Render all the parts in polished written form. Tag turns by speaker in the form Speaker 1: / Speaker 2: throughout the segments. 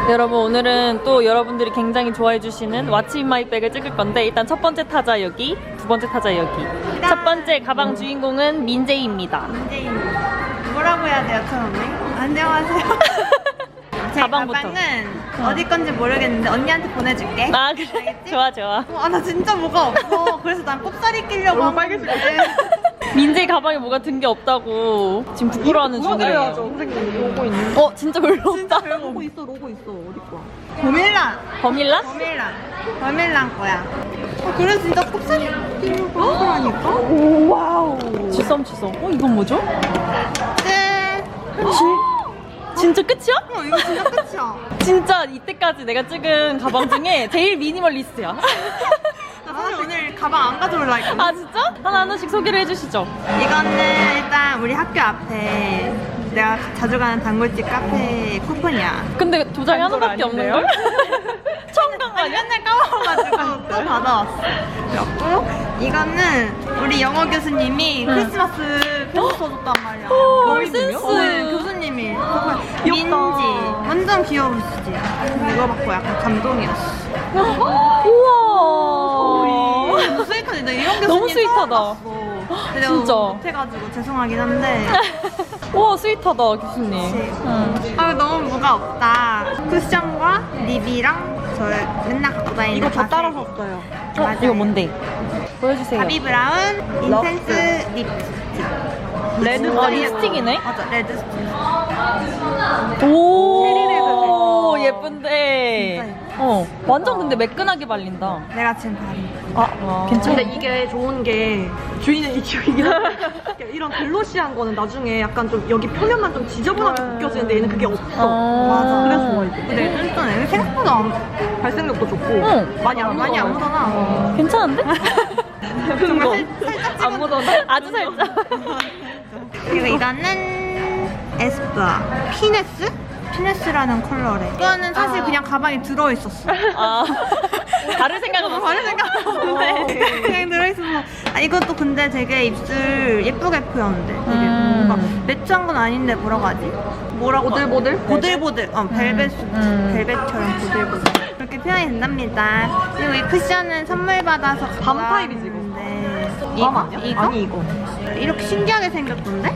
Speaker 1: 여러분 오늘은 또 여러분들이 굉장히 좋아해 주시는 왓츠 인 마이 백을 찍을 건데 일단 첫 번째 타자 여기, 두 번째 타자 여기. 첫 번째 가방 주인공은 민재입니다.
Speaker 2: 민재입니다. 뭐라고 해야 돼요, 처음에? 안녕하세요. 제
Speaker 1: 가방부터.
Speaker 2: 가방은 어디 건지 모르겠는데 언니한테 보내줄게.
Speaker 1: 아 그래?
Speaker 2: 알겠지?
Speaker 1: 좋아 좋아.
Speaker 2: 아, 나 진짜 뭐가 없어. 그래서 난 꼽사리 끼려고 하는데.
Speaker 1: 민재 가방에 뭐가 든 게 없다고 지금 부끄러워하는 중이에요.
Speaker 3: 선생님 로고 있는
Speaker 1: 진짜 별로 없다.
Speaker 3: 로고 있어 어디 거야?
Speaker 2: 버밀란.
Speaker 1: 버밀라?
Speaker 2: 버밀란 거야. 그래서 진짜 꼽사리 끼려고 하더라니까.
Speaker 3: 오 와우.
Speaker 1: 주섬주섬. 이건 뭐죠?
Speaker 2: 끝.
Speaker 1: 진짜 끝이야?
Speaker 2: 이거 진짜 끝이야.
Speaker 1: 진짜 이때까지 내가 찍은 가방 중에 제일 미니멀리스트야.
Speaker 2: 나 사실 오늘 가방 안 가져올라 했거든.
Speaker 1: 아 진짜? 하나씩 소개를 해주시죠.
Speaker 2: 이거는 일단 우리 학교 앞에 내가 자주 가는 단골집 카페 쿠폰이야.
Speaker 1: 근데 도장이 하나밖에 없는 걸? 처음 간 거 아니야?
Speaker 2: 맨날 까먹어가지고 또 받아왔어. 그리고 이거는 우리 영어 교수님이 크리스마스 편지 써줬단 말이야.
Speaker 1: 센스.
Speaker 2: 교수님이. 민지. 완전 귀여우시지? 이거 받고 약간 감동이었어.
Speaker 1: 우와.
Speaker 2: 스윗하지? 나 이런 교수님
Speaker 1: 너무 스윗하다.
Speaker 2: 처음 봤어. 근데 내가
Speaker 1: 진짜.
Speaker 2: 못해가지고 죄송하긴 한데.
Speaker 1: 우와 스윗하다 교수님.
Speaker 2: 그치.
Speaker 1: 응.
Speaker 2: 아 너무 뭐가 없다. 쿠션과 립이랑 저 맨날 갖고 다니는
Speaker 3: 이거 저
Speaker 2: 바세.
Speaker 3: 따라 샀어요.
Speaker 2: 맞아요.
Speaker 1: 이거 뭔데? 보여주세요.
Speaker 2: 바비 브라운 인텐스 립스틱.
Speaker 3: 레드
Speaker 1: 립스틱이네?
Speaker 2: 맞아, 레드 스틱.
Speaker 1: 오 예쁜데.
Speaker 2: 진짜
Speaker 1: 완전 근데 매끈하게 발린다.
Speaker 2: 내가 지금 바른
Speaker 1: 괜찮아.
Speaker 3: 근데 이게 좋은 게 주인은 이쪽이긴 한데 이런 글로시한 거는 나중에 약간 좀 여기 표면만 좀 지저분하게 느껴지는데 얘는 그게 없어.
Speaker 2: 맞아.
Speaker 3: 그래서 좋아 이거.
Speaker 2: 근데 쫀쫀해. 생각보다
Speaker 3: 발색력도 좋고
Speaker 1: 응.
Speaker 3: 많이 안
Speaker 2: 많이 안
Speaker 3: 묻어요.
Speaker 2: 묻어나.
Speaker 1: 괜찮은데?
Speaker 2: 정말 살짝
Speaker 1: 안 묻었네? 아주 살짝.
Speaker 2: 그리고 이거는 에스쁘아 피네스? 피네스라는 컬러래. 이거는 사실 그냥 가방에 들어있었어.
Speaker 1: 아 다른 생각은 없어.
Speaker 2: 다른 생각 없는데 그냥 들어있어서. 이것도 근데 되게 입술 예쁘게 표현돼. 되게 뭔가 매트한 건 아닌데 뭐라고 하지? 뭐라고?
Speaker 3: 보들보들?
Speaker 2: 보들보들. 벨벳처럼 보들보들. 그렇게 표현이 된답니다. 그리고 이 쿠션은 선물 받아서
Speaker 3: 밤 타입이지, 이거.
Speaker 2: 이거?
Speaker 3: 밤 아니야?
Speaker 2: 이거?
Speaker 3: 아니 이거.
Speaker 2: 이렇게 신기하게 생겼던데?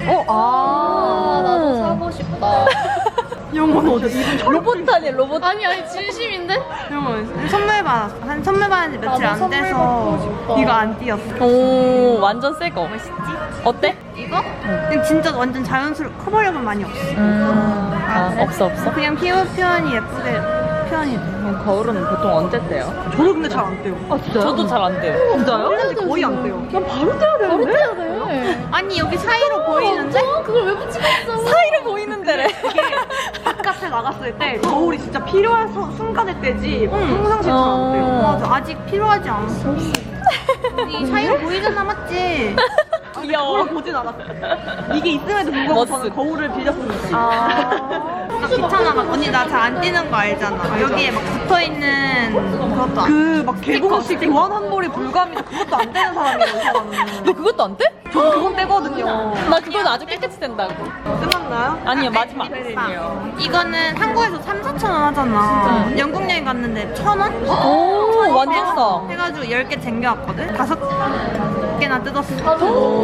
Speaker 1: 나도 사고 싶다.
Speaker 3: 영어는 어디?
Speaker 1: 로봇 아니야 로봇?
Speaker 4: 아니 진심인데?
Speaker 2: 이거 선물 받았어. 선물 받은 지 며칠 안 돼서 이거 안 띄었어.
Speaker 1: 오 완전 새 거.
Speaker 2: 멋있지?
Speaker 1: 어때?
Speaker 2: 이거? 그냥 진짜 완전 자연스러워. 커버력은 많이 없어.
Speaker 1: 없어.
Speaker 2: 그냥 피부 표현이 예쁘게 표현이 돼.
Speaker 1: 거울은 보통 언제 떼요?
Speaker 3: 저도 근데 잘 안 떼요.
Speaker 1: 아 진짜요? 저도 잘 안 떼요.
Speaker 3: 진짜요? 근데 거의 안 떼요. 난 바로 떼야 되는데?
Speaker 4: 해야 돼.
Speaker 2: 아니 여기 사이로 보이는데?
Speaker 4: 그걸 왜 붙이고 있어?
Speaker 1: 사이로 보이는 데래.
Speaker 3: 바깥에 나갔을 때 거울이 진짜 필요한 순간에 떼지 평상시에 잘 안 떼요.
Speaker 2: 맞아. 아직 필요하지 않았어. 이 사이로 보이잖아, 맞지?
Speaker 1: 귀여워.
Speaker 3: 거울 보진 않았어. 이게 있음에도 불구하고
Speaker 1: 멋스.
Speaker 3: 저는 거울을 빌렸습니다.
Speaker 2: 나 귀찮아. 막 언니 나 잘 안 뛰는 거 알잖아. 여기에 막 붙어 있는 그것도 안.
Speaker 3: 그막 개봉식 교환 환불이 불가합니다. 그것도 안 되는 사람이에요, 이 사람은.
Speaker 1: 너 그것도 안 떼?
Speaker 3: 저는 그건 떼거든요.
Speaker 1: 나 그건 아주 깨끗이 뗀다고.
Speaker 3: 끝났나요?
Speaker 1: 아니요 마지막.
Speaker 2: 이거는 한국에서 3,4천 원 하잖아. 영국 여행 갔는데 1,000원?
Speaker 1: 오 완전 싸.
Speaker 2: 해가지고 10개 챙겨왔거든? 5개나 뜯었어.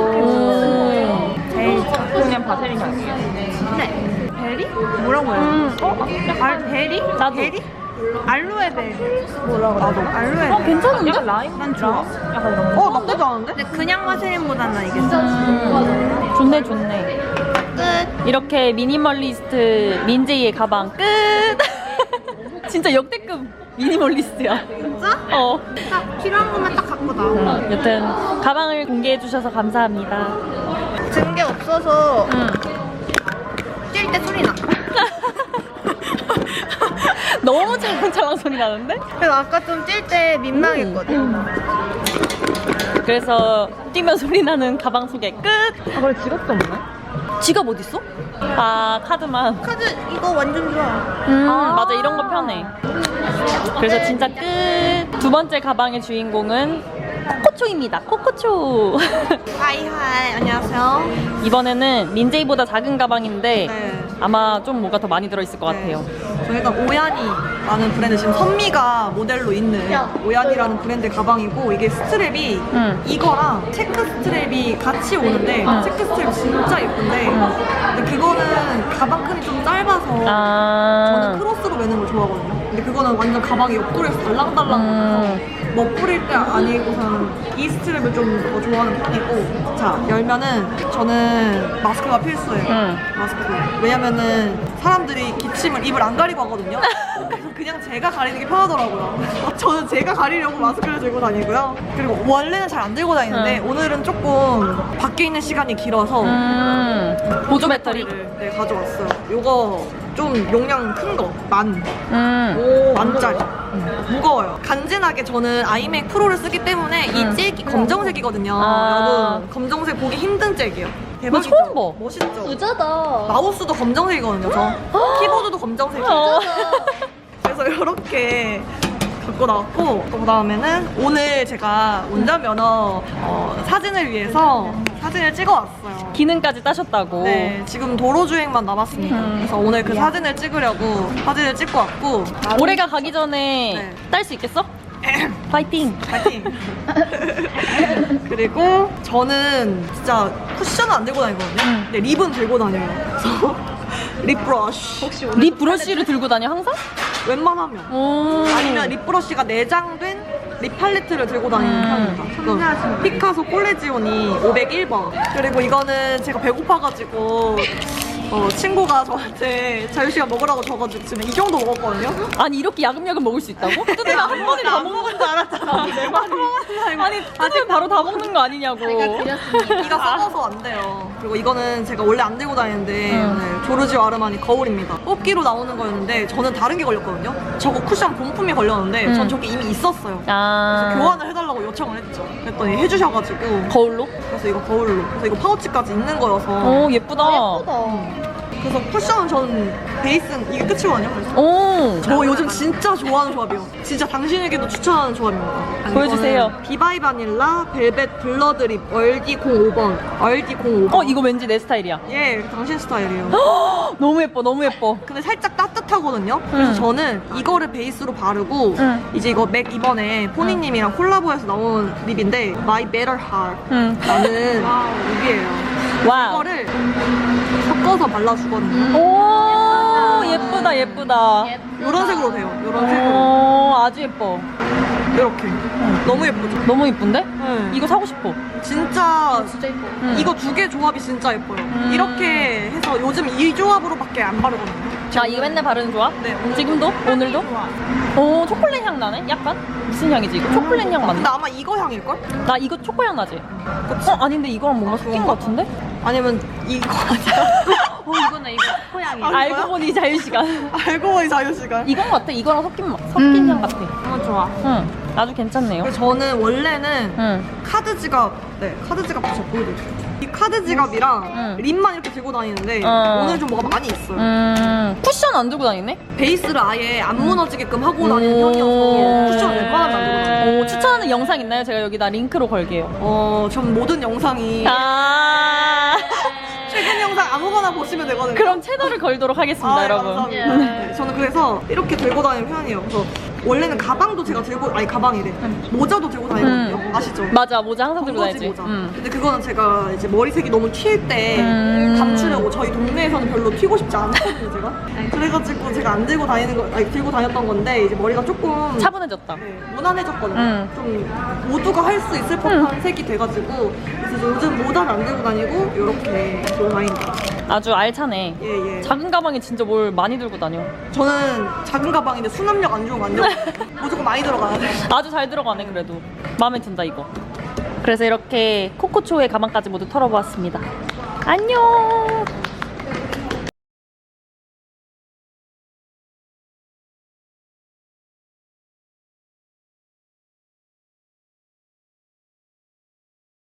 Speaker 2: 제일
Speaker 1: 그냥 바세린 향이에요.
Speaker 2: 네. 베리? 뭐라고 해요? 베리?
Speaker 1: 나도.
Speaker 2: 베리? 알로에 베리. 나도. 알로에 베리.
Speaker 1: 괜찮은데?
Speaker 2: 난 좋아.
Speaker 3: 나쁘지 않은데?
Speaker 2: 근데 그냥 마세린보다는 이게
Speaker 1: 좋네.
Speaker 2: 끝.
Speaker 1: 이렇게 미니멀리스트 민재이의 가방 끝. 진짜 역대급 미니멀리스트야.
Speaker 2: 진짜? 딱 필요한 것만 딱 갖고 나와.
Speaker 1: 여튼 가방을 공개해 주셔서 감사합니다.
Speaker 2: 증게 없어서 뛸 때 소리 나.
Speaker 1: 너무 찰랑찰랑 소리 나는데?
Speaker 2: 그래서 아까 좀 뛸 때 민망했거든.
Speaker 1: 그래서 뛰면 소리 나는 가방 소개 끝.
Speaker 3: 그래 지갑도 없네?
Speaker 1: 지갑 어딨어? 아 카드만.
Speaker 2: 카드 이거 완전 좋아.
Speaker 1: 맞아 이런 거 편해. 그래서 진짜 끝. 두 번째 가방의 주인공은 코코초입니다. 코코초.
Speaker 2: 하이하이 안녕하세요.
Speaker 1: 이번에는 민재이보다 작은 가방인데
Speaker 2: 네.
Speaker 1: 아마 좀 뭐가 더 많이 들어있을 것
Speaker 2: 네.
Speaker 1: 같아요.
Speaker 3: 저 일단 오야니라는 브랜드, 지금 선미가 모델로 있는 오야니라는 브랜드 가방이고, 이게 스트랩이 이거랑 체크 스트랩이 같이 오는데 체크 스트랩 진짜 예쁜데 근데 그거는 가방 끈이 좀 짧아서 저는 크로스로 매는 걸 좋아하거든요. 근데 그거는 완전 가방이 옆구리에서 달랑달랑 멋부릴 때 아니고서는 이 스트랩을 좀 더 좋아하는 편이고. 자, 열면은 저는 마스크가 필수예요. 마스크. 왜냐면은 사람들이 기침을 입을 안 가리고 하거든요. 그래서 그냥 제가 가리는 게 편하더라고요. 저는 제가 가리려고 마스크를 들고 다니고요. 그리고 원래는 잘 안 들고 다니는데 오늘은 조금 밖에 있는 시간이 길어서
Speaker 1: 보조 배터리.
Speaker 3: 네, 가져왔어요. 요거 좀 용량 큰 거, 만짜리. 무거워요. 간지나게 저는 아이맥 프로를 쓰기 때문에 이 잭이 검정색이거든요. 여러분, 검정색 보기 힘든 잭이에요. 대박이죠?
Speaker 1: 처음 봐.
Speaker 3: 멋있죠?
Speaker 4: 부자다.
Speaker 3: 마우스도 검정색이거든요, 저. 키보드도 검정색이에요. 그래서 이렇게 갖고 나왔고, 그 다음에는 오늘 제가 운전면허 사진을 위해서 사진을 찍어왔어요.
Speaker 1: 기능까지 따셨다고.
Speaker 3: 네, 지금 도로주행만 남았습니다. 그래서 오늘 그 사진을 찍으려고 사진을 찍고 왔고.
Speaker 1: 올해가 가기 전에
Speaker 3: 네.
Speaker 1: 딸 수 있겠어? 파이팅!
Speaker 3: 파이팅! 그리고 저는 진짜 쿠션은 안 들고 다니거든요. 근데 립은 들고 다녀요. 그래서 립 브러쉬. 혹시
Speaker 1: 립 브러쉬를 들고 다녀 항상?
Speaker 3: 웬만하면. 아니면 립 브러쉬가 내장된 립 팔레트를 들고 다니는 편입니다. 그 피카소 콜레지오니 501번. 그리고 이거는 제가 배고파가지고 친구가 저한테 자유시간 먹으라고 줘가지고 지금 이 정도 먹었거든요.
Speaker 1: 아니 이렇게 야금야금 먹을 수 있다고? 뜯으면 한 번에 다 먹는 줄 알았잖아. 아니 뜯으면 바로 다 먹는 거 아니냐고.
Speaker 3: 이가 썩어서 안 돼요. 그리고 이거는 제가 원래 안 들고 다니는데 네, 조르지오 아르마니 거울입니다. 뽑기로 나오는 거였는데 저는 다른 게 걸렸거든요. 저거 쿠션 본품이 걸렸는데 전 저게 이미 있었어요. 그래서 교환을 해달라고 요청을 했죠. 그랬더니 해주셔가지고
Speaker 1: 거울로?
Speaker 3: 그래서 이거 거울로. 그래서 이거 파우치까지 있는 거여서.
Speaker 1: 오 예쁘다.
Speaker 3: 그래서 쿠션은 전 베이스는 이게 끝이거든요. 그래서 저 요즘 진짜 좋아하는 조합이에요. 진짜 당신에게도 추천하는 조합입니다.
Speaker 1: 보여주세요.
Speaker 3: 이거는 비바이 바닐라 벨벳 블러드립 얼디 05번. 얼디 05번.
Speaker 1: 이거 왠지 내 스타일이야.
Speaker 3: 예, 당신 스타일이에요.
Speaker 1: 너무 예뻐, 너무 예뻐.
Speaker 3: 근데 살짝 따뜻하거든요. 그래서 저는 이거를 베이스로 바르고 이제 이거 맥 이번에 포니님이랑 콜라보해서 나온 립인데 My Better Heart 라는 립이에요.
Speaker 1: 와우.
Speaker 3: 이거를 섞어서 발라주거든요.
Speaker 1: 오 예쁘다, 예쁘다.
Speaker 3: 이런 색으로 돼요. 이런 색으로.
Speaker 1: 오 아주 예뻐.
Speaker 3: 이렇게. 너무 예쁘죠?
Speaker 1: 너무 예쁜데?
Speaker 3: 네.
Speaker 1: 이거 사고 싶어.
Speaker 3: 진짜
Speaker 4: 진짜 예뻐.
Speaker 3: 이거 두 개 조합이 진짜 예뻐요. 이렇게 해서 요즘 이 조합으로밖에 안 바르거든요.
Speaker 1: 아 이거 맨날 바르는 조합?
Speaker 3: 네.
Speaker 1: 지금도? 오늘도? 오 초콜릿 향 나네? 약간? 무슨 향이지 이거? 초콜릿 향
Speaker 3: 근데
Speaker 1: 맞나?
Speaker 3: 아마 이거 향일걸?
Speaker 1: 나 이거 초코 향 나지? 아닌데 이거랑 뭔가 섞인 것 같은데?
Speaker 3: 아니면 이거 아니야?
Speaker 4: 이거네 이거 코양이.
Speaker 1: 알고 보니 자유시간.
Speaker 3: 알고 보니 자유시간.
Speaker 1: 이건 것 같아. 이거랑 섞인 향 같아.
Speaker 3: 너무 좋아.
Speaker 1: 응. 아주 괜찮네요.
Speaker 3: 그래서 저는 원래는
Speaker 1: 응.
Speaker 3: 카드 지갑 제가 보여드릴게요. 이 카드 지갑이랑 립만 이렇게 들고 다니는데 오늘 좀 뭐가 많이 있어요.
Speaker 1: 쿠션 안 들고 다니네?
Speaker 3: 베이스를 아예 안 무너지게끔 하고 다니는 편이어서 쿠션 웬만하면 안 들고 다녀요.
Speaker 1: 오, 추천하는 영상 있나요? 제가 여기다 링크로 걸게요.
Speaker 3: 전 모든 영상이 최근 영상 아무거나 보시면 되거든요.
Speaker 1: 그럼 채널을 걸도록 하겠습니다, 여러분.
Speaker 3: 감사합니다. 네, 저는 그래서 이렇게 들고 다니는 편이에요. 그래서 원래는 가방도 제가 가방이래. 모자도 들고 다니거든요. 아시죠?
Speaker 1: 맞아, 모자 항상 들고
Speaker 3: 건거지
Speaker 1: 다니지.
Speaker 3: 모자. 근데 그거는 제가 이제 머리색이 너무 튈 때 감추려고 저희 동네에서는 별로 튀고 싶지 않거든요, 제가. 그래가지고 제가 안 들고 들고 다녔던 건데 이제 머리가 조금
Speaker 1: 차분해졌다.
Speaker 3: 네, 무난해졌거든요. 좀 모두가 할 수 있을 법한 색이 돼가지고 그래서 요즘 모자를 안 들고 다니고 이렇게 들고 다닌다.
Speaker 1: 아주 알차네.
Speaker 3: 예.
Speaker 1: 작은 가방에 진짜 뭘 많이 들고 다녀.
Speaker 3: 저는 작은 가방인데 수납력 안 좋으면 안 돼요. 무조건 많이 들어가야 돼.
Speaker 1: 아주 잘 들어가네, 그래도. 마음에 든다, 이거. 그래서 이렇게 코코초의 가방까지 모두 털어보았습니다. 안녕!